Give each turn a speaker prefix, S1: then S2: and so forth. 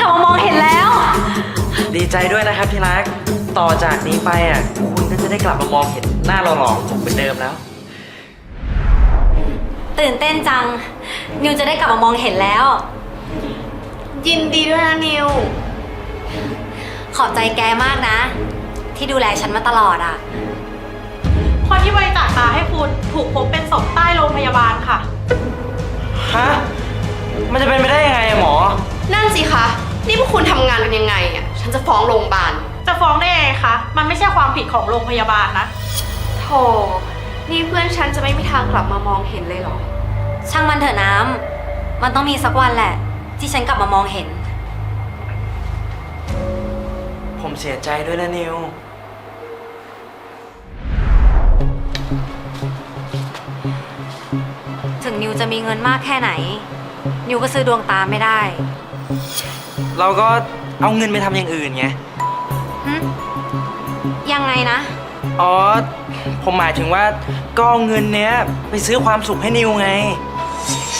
S1: มามองเห็นแล้ว
S2: ดีใจด้วยนะครับที่รักต่อจากนี้ไปคุณก็จะได้กลับมามองเห็นหน้าหล่อๆของผมเหมือนเดิมแล้ว
S1: ตื่นเต้นจัง นิวจะได้กลับมามองเห็นแล้ว
S3: ยินดีด้วยนะนิว
S1: ขอบใจแกมากนะ ที่ดูแลฉันมาตลอดอ่ะ
S4: คนที่บริจาคตาให้คุณถูกพบเป็นศพใต้โรงพยาบาลค่ะ
S2: ฮะ มันจะเป็นไปได้ยังไงหมอ
S3: นั่นสิคะ นี่พวกคุณทำงานกันยังไงอ่ะ ฉันจะฟ้องโรงพยาบาล
S4: จะฟ้องได้ยังไงคะ มันไม่ใช่ความผิดของโรงพยาบาลนะ
S3: โธ่นี่เพื่อนฉันจะไม่มีทางกลับมามองเห็นเลยเหรอ
S1: ช่างมันเถอะน้ำ มันต้องมีสักวันแหละ ที่ฉันกลับมามองเห็น
S2: ผมเสียใจด้วยนะนิว
S1: ถึงนิวจะมีเงินมากแค่ไหน นิวก็ซื้อดวงตาไม่ได้
S2: เราก็เอาเงินไปทำอย่างอื่นไง
S1: หึยังไงนะ
S2: อ๋อ ผมหมายถึงว่าก็เอาเงินเนี้ยไปซื้อความสุขให้นิวไง